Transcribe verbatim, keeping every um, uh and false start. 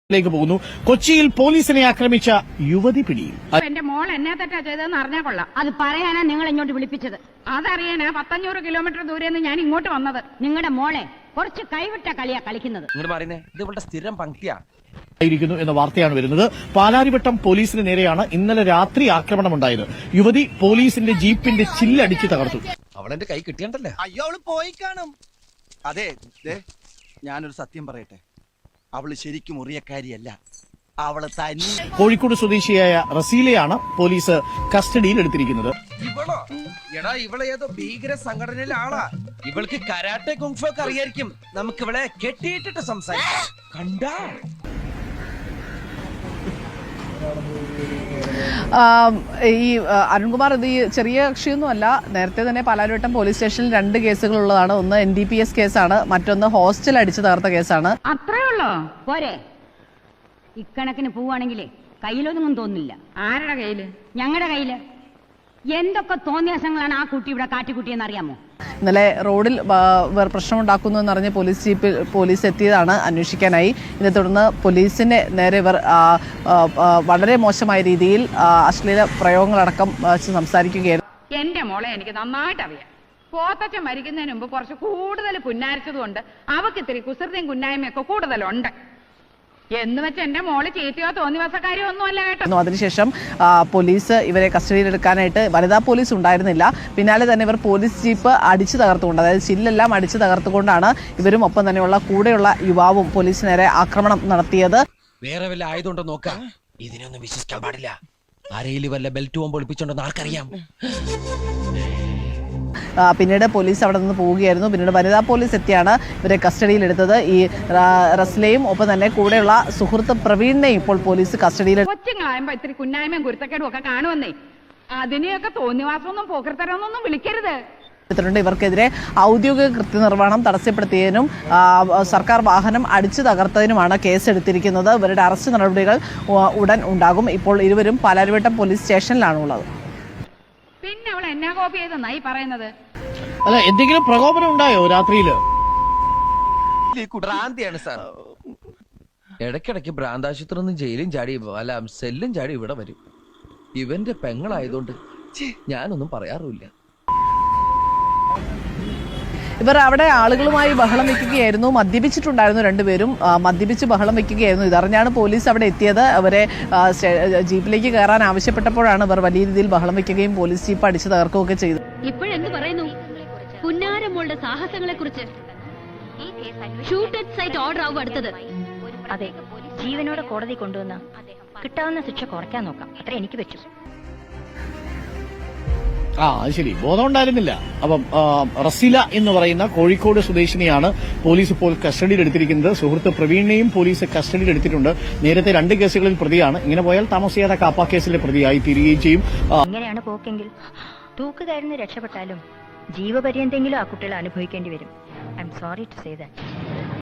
ിലേക്ക് പോകുന്നു. കൊച്ചിയിൽ പോലീസിനെ ആക്രമിച്ച യുവതി പിടിയിൽ. എന്റെ മോൾ എന്നെ തെറ്റാ ചെയ്തതെന്ന് അറിഞ്ഞാൽ കൊള്ളാം. അത് പറയാനാ നിങ്ങൾ ഇങ്ങോട്ട് വിളിപ്പിച്ചത്. അതറിയാനാ പത്തഞ്ഞൂറ് കിലോമീറ്റർ ദൂരെന്ന് ഞാൻ ഇങ്ങോട്ട് വന്നത്. നിങ്ങളുടെ മോളെ കുറച്ച് കൈവിട്ട കളിയാ കളിക്കുന്നത്. ഇതുപോലെ സ്ഥിരം പങ്ക്തിയാ ായിരിക്കുന്നു എന്ന വാർത്തയാണ് വരുന്നത്. പാലാരിവട്ടം പോലീസിന് നേരെയാണ് ഇന്നലെ രാത്രി ആക്രമണമുണ്ടായത്. യുവതി പോലീസിന്റെ ജീപ്പിന്റെ ചില്ലടിച്ച് തകർത്തു. അവളെന്റെ കൈ കിട്ടിയണ്ടല്ലേ? അയ്യോ അവള് പോയി കാണും. അതെ, ഞാനൊരു സത്യം പറയട്ടെ, അവള് ശരിക്കും മുറിയക്കാരിയല്ല, അവള് തന്നെ. കോഴിക്കോട് സ്വദേശിയായ റസീലയാണ് പോലീസ് കസ്റ്റഡിയിൽ എടുത്തിരിക്കുന്നത്. ഇവളോ? എടാ, ഇവളെ ഏതോ ഭീകര സംഘടനയിലെ ആളാ. ഇവൾക്ക് കരാട്ടെ കുങ്ഫു ഒക്കെ അറിയായിരിക്കും. നമുക്ക് ഇവളെ കെട്ടിയിട്ടിട്ട് സംസാരിക്കാം. കണ്ടാ ഈ അരുൺകുമാർ, ഇത് ഈ ചെറിയ കക്ഷിയൊന്നുമല്ല. നേരത്തെ തന്നെ പാലാരിവട്ടം പോലീസ് സ്റ്റേഷനിൽ രണ്ട് കേസുകളുള്ളതാണ്. ഒന്ന് എൻ ഡി പി എസ് കേസാണ്, മറ്റൊന്ന് ഹോസ്റ്റൽ അടിച്ചു തകർത്ത കേസാണ്. അത്രേ ഉള്ളോ? പോരെ, ഇക്കണക്കിന് പോവാണെങ്കിലേ കയ്യിലൊന്നും തോന്നില്ല. ആരുടെ കയ്യില്? ഞങ്ങളുടെ കയ്യില്. എന്തൊക്കെ തോന്നിയാസങ്ങളാണ് ആ കുട്ടി ഇവിടെ കാട്ടിക്കുട്ടിയെന്ന് അറിയാമോ? ഇന്നലെ റോഡിൽ പ്രശ്നമുണ്ടാക്കുന്നു എന്നറിഞ്ഞ് പോലീസ് ജീപ്പിൽ പോലീസ് എത്തിയതാണ് അന്വേഷിക്കാനായി. ഇതേ തുടർന്ന് പോലീസിന്റെ നേരെ ഇവർ വളരെ മോശമായ രീതിയിൽ അശ്ലീല പ്രയോഗങ്ങളടക്കം സംസാരിക്കുകയായിരുന്നു. എന്റെ മോളെ എനിക്ക് നന്നായിട്ട് അറിയാം. പോത്തച്ഛൻ മരിക്കുന്നതിന് മുമ്പ് കുറച്ച് കൂടുതൽ പുന്നാരിച്ചതുകൊണ്ട് അവക്ക് ഇത്തിരി കുസൃതിയും കുന്നായ്മയൊക്കെ കൂടുതലുണ്ട്. എന്ന് വെച്ച് എന്റെ മോള് ചീത്തയോ തോന്നിവാസക്കാരിയോ ഒന്നും അല്ല കേട്ടോ. അതിനുശേഷം പോലീസ് ഇവരെ കസ്റ്റഡിയിലെടുക്കാനായിട്ട് വനിതാ പോലീസ് ഉണ്ടായിരുന്നില്ല. പിന്നാലെ തന്നെ ഇവർ പോലീസ് ജീപ്പ് അടിച്ചു തകർത്തുകൊണ്ട്, അതായത് ചില്ലെല്ലാം അടിച്ചു തകർത്തുകൊണ്ടാണ് ഇവരും ഒപ്പം തന്നെയുള്ള കൂടെയുള്ള യുവാവും പോലീസ് നേരെ ആക്രമണം നടത്തിയത്. വേറെ വല്ല ആയതുകൊണ്ടോ നോക്കാം. ഇതിനൊന്നും വിശ്വസിക്കാൻ പാടില്ല. ആരെയും വല്ല ബെൽറ്റ് പോകുമ്പോൾ ഒളിപ്പിച്ചോണ്ടെന്ന് ആർക്കറിയാം. പിന്നീട് പോലീസ് അവിടെ നിന്ന് പോവുകയായിരുന്നു. പിന്നീട് വനിതാ പോലീസ് എത്തിയാണ് ഇവരെ കസ്റ്റഡിയിലെടുത്തത്. ഈ റസ്ലയും ഒപ്പം തന്നെ കൂടെയുള്ള സുഹൃത്ത് പ്രവീണിനെയും ഇപ്പോൾ പോലീസ് കസ്റ്റഡിയിൽ. കൊച്ചുങ്ങളായുമ്പോ ഇത്തിരി കുന്നായ്മയും കുരുത്തക്കേടും ഒക്കെ കാണുവന്നേ, അതിനെയൊക്കെ തോന്നിവാസമൊന്നും പോക്കർത്തരമൊന്നും വിളിക്കരുത്. ഇവർക്കെതിരെ ഔദ്യോഗിക കൃത്യനിർവഹണം തടസ്സപ്പെടുത്തിയതിനും സർക്കാർ വാഹനം അടിച്ചു തകർത്തതിനുമാണ് കേസെടുത്തിരിക്കുന്നത്. ഇവരുടെ അറസ്റ്റ് നടപടികൾ ഉടൻ ഉണ്ടാകും. ഇപ്പോൾ ഇരുവരും പാലാരിവട്ടം പോലീസ് സ്റ്റേഷനിലാണുള്ളത്. പിന്നെ അവൾ എന്നാ കോപ്പി ചെയ്തെന്നായി പറയുന്നത്? അല്ല, എന്തെങ്കിലും പ്രകോപനം ഉണ്ടായോ രാത്രിയില്? ഭ്രാന്തിയാണ് സാർ. ഇടയ്ക്കിടയ്ക്ക് ഭ്രാന്താശുപത്രി നിന്ന് ജയിലും ചാടി അല്ല സെല്ലും ചാടി ഇവിടെ വരും. ഇവന്റെ പെങ്ങളായതുകൊണ്ട് ഞാനൊന്നും പറയാറില്ല. ഇവർ അവിടെ ആളുകളുമായി ബഹളം വെക്കുകയായിരുന്നു. മദ്യപിച്ചിട്ടുണ്ടായിരുന്നു രണ്ടുപേരും. മദ്യപിച്ച് ബഹളം വെക്കുകയായിരുന്നു. ഇതറിഞ്ഞാണ് പോലീസ് അവിടെ എത്തിയത്. അവരെ ജീപ്പിലേക്ക് കയറാൻ ആവശ്യപ്പെട്ടപ്പോഴാണ് ഇവർ വലിയ രീതിയിൽ ബഹളം വെക്കുകയും പോലീസ് ജീപ്പ് അടിച്ചു തകർക്കുകയൊക്കെ ചെയ്തു. ഇപ്പോഴെന്ത് പറയുന്നു പുന്നാരമോളുടെ സാഹസങ്ങളെ കുറിച്ച്? ഷൂട്ട് അറ്റ് സൈറ്റ് ഓർഡർ ആവും അടുത്തത്. അതെ, ജീവനോടെ കോടതി കൊണ്ടുവന്ന കിട്ടാവുന്ന ശിക്ഷ കുറയ്ക്കാൻ നോക്കാം. അത്ര എനിക്ക് പറ്റും. ആ അത് ശരി, ബോധം ഉണ്ടായിരുന്നില്ല. അപ്പം റസീല എന്ന് പറയുന്ന കോഴിക്കോട് സ്വദേശിനിയാണ് പോലീസ് ഇപ്പോൾ കസ്റ്റഡിയിൽ എടുത്തിരിക്കുന്നത്. സുഹൃത്ത് പ്രവീണിനെയും പോലീസ് കസ്റ്റഡിയിൽ എടുത്തിട്ടുണ്ട്. നേരത്തെ രണ്ട് കേസുകളിൽ പ്രതിയാണ്. ഇങ്ങനെ പോയാൽ താമസിയാതെ കാപ്പ കേസിലെ പ്രതിയായി തീരുകയും ചെയ്യും. ഇങ്ങനെയാണ് പോക്കെങ്കിൽ തൂക്കുകാരന് രക്ഷപ്പെട്ടാലും ജീവപര്യന്തെങ്കിലും ആ കുട്ടികൾ അനുഭവിക്കേണ്ടി വരും. I'm sorry to say that.